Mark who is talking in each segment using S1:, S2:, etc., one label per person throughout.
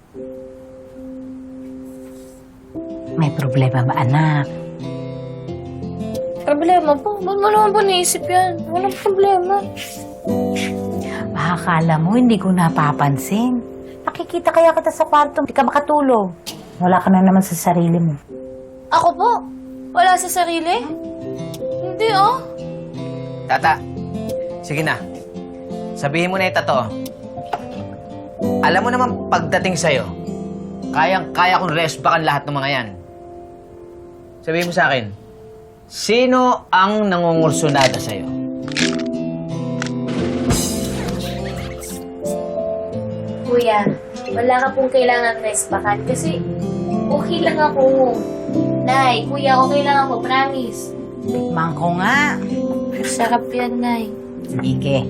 S1: May problema ba, anak?
S2: Problema po? Ba't mo naman po naisip yan? Walang problema.
S1: Akala mo, hindi ko napapansin. Nakikita kaya kita sa kwarto, hindi ka makatulog. Wala ka na naman sa sarili mo.
S2: Ako po? Wala sa sarili? Hindi, oh.
S3: Tata, sige na. Sabihin mo na yung totoo. Alam mo naman pagdating sa'yo, kayang-kaya kong resbakan lahat ng mga yan. Sabihin mo sa akin, sino ang nangungursunada sa'yo?
S2: Kuya, wala ka pong kailangan respakan kasi okay lang ako. Nay, kuya, okay lang ako, promise.
S1: Tikman ko nga.
S2: Sarap yan, Nay.
S1: Sige.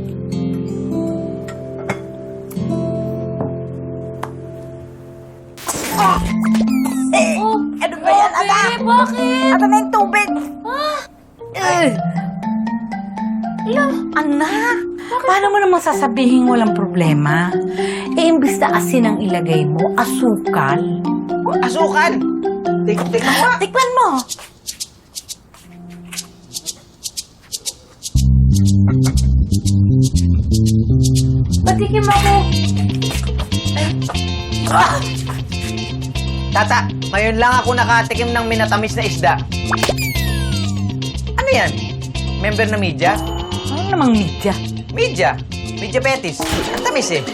S2: Oh,
S1: Ano ba yan, anak?
S2: Bakit?
S1: Ano na yung tubig?
S2: Ila,
S1: Anak, paano mo naman sasabihin walang problema? Eh, imbis na asin ang ilagay mo, asukal.
S3: Asukan! Tikman mo!
S1: Tikman mo.
S2: patikim ako.
S3: Tata, ngayon lang ako nakatikim ng minatamis na isda. Ano yan? Member na media?
S1: Ano namang media?
S3: Media? Media Betis. Ang tamis eh.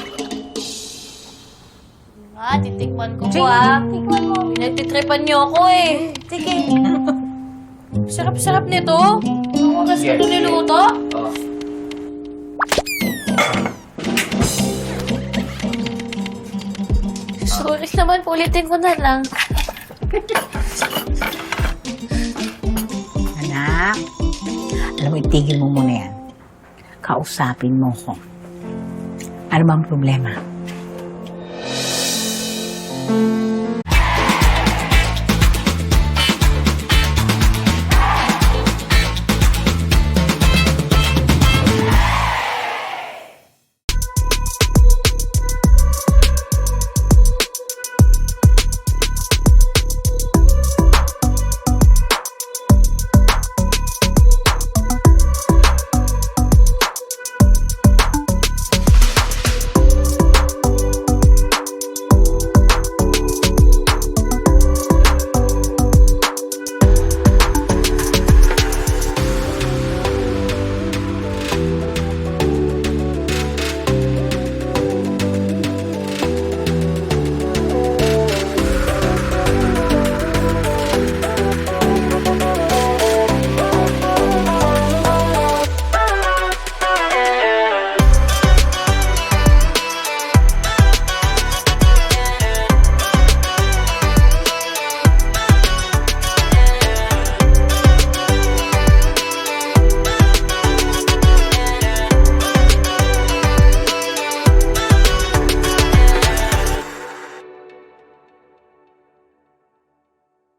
S2: Titikman ko
S1: Sige.
S2: po, Tikman mo. Pinagtitripan niyo ako eh. Sige. Sarap-sarap nito. Ang oras ko
S3: Yes.
S2: ito niluto.
S3: Oh.
S2: Sorry naman, ulitin ko na lang.
S1: Anak, alam mo, itigil mo muna yan. Kausapin mo ko. Ano bang problema?